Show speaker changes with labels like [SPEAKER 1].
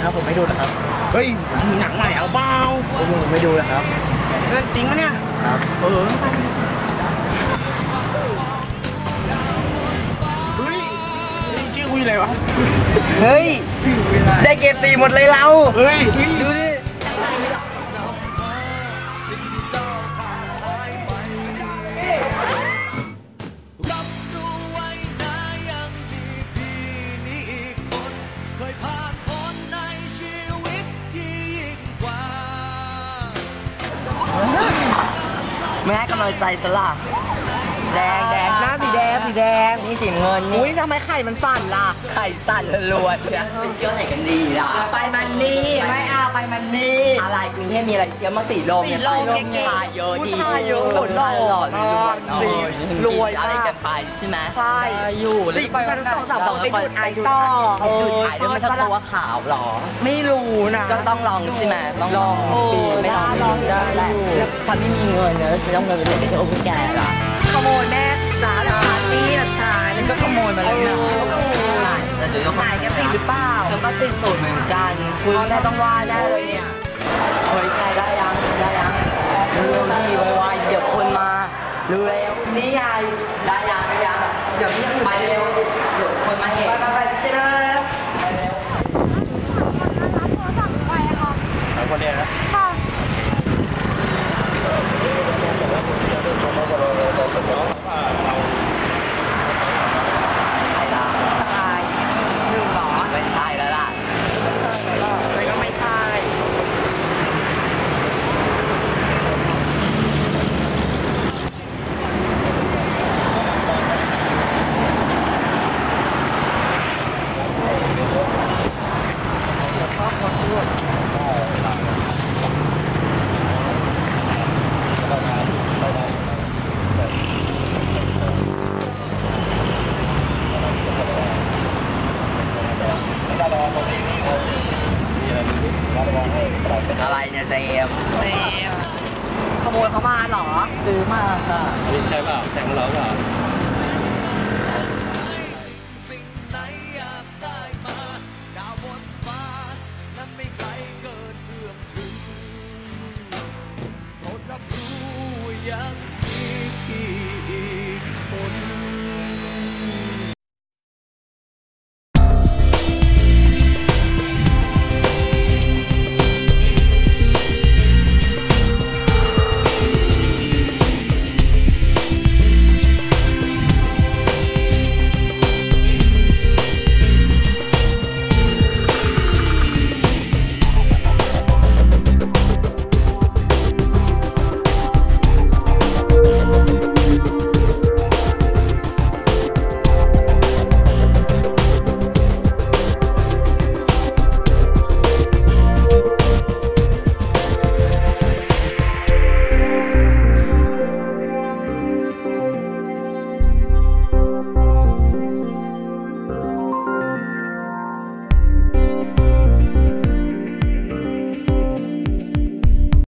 [SPEAKER 1] ครับผมไม่ดูนะครับ
[SPEAKER 2] เฮ้ยหนังใหม่เอาเปล่า
[SPEAKER 1] ผมไม่ดูนะครับ
[SPEAKER 2] เรื่องจริงปะเนี่ย
[SPEAKER 1] ครับ
[SPEAKER 2] เฮ้ยชื่อคุยอะไรวะเฮ้ยได้เกรด4หมดเลยเราเฮ้ยดูดิ
[SPEAKER 3] ไม่ให้กำลังใจสลับแดงหน้าสีแดงนี่สีเงิน
[SPEAKER 2] อุ้ยทำไมไข่มันสั่นล่ะ
[SPEAKER 3] ไข่สั่นรวนเนี่ยไปเที่ยวไหนกันดีล่ะ
[SPEAKER 2] ไปมันนี่ไม่เอาไปมันนี่
[SPEAKER 3] อะไรกรุงเทพมีอะไรเที่ยวมาสีลม
[SPEAKER 2] เนี่ยทาเยอะดี
[SPEAKER 3] หล่อรวยอะไรกันไปใช่ไหม
[SPEAKER 2] ใช่
[SPEAKER 3] อยู่แล้ว
[SPEAKER 2] ไปกัน2-3ไปจุดไอต่อ
[SPEAKER 3] จุดไอแล้วมันต้องว่าขาวหรอ
[SPEAKER 2] ไม่รู้นะ
[SPEAKER 3] ก็ต้องลองใช่ไหมต้องลองไม่ลองได้แหละถ้าไม่มีเงินเนอะจะต้องเงินไปเที่ยวพวกแกล่ะ
[SPEAKER 2] ขโมยแม่จ้าแล้วปาร์ตี้หลักฐาน
[SPEAKER 3] นั่นก็ขโมยมาแล้วนะแต่เดี๋ยว
[SPEAKER 2] หายแกติดหรือเปล่า
[SPEAKER 3] ฉันก็ติดสูตรเหมือนกันคุณแม่ต้องว่าได้เลยเนี่ยเฮ้ยแกได้ยังเร็วๆดีไวๆเดี๋ยวคนมาเร็วๆนี่ไงได้ยังเดี๋ยวนี้ไปเร็วเดี๋ยวคนมาเห็น
[SPEAKER 2] ไปเร็ว
[SPEAKER 1] คนเดียวนะ
[SPEAKER 2] ตาย1หรอ
[SPEAKER 3] ไม่ตายแล้วล่ะ
[SPEAKER 2] อะไรก็ไม่ตาย
[SPEAKER 3] อะไรเนี่ยเจม
[SPEAKER 2] ขโมยเขามาเหรอ
[SPEAKER 3] ซื้อมาค่ะ
[SPEAKER 1] ใช่เปล่าแต่งเราเปล่า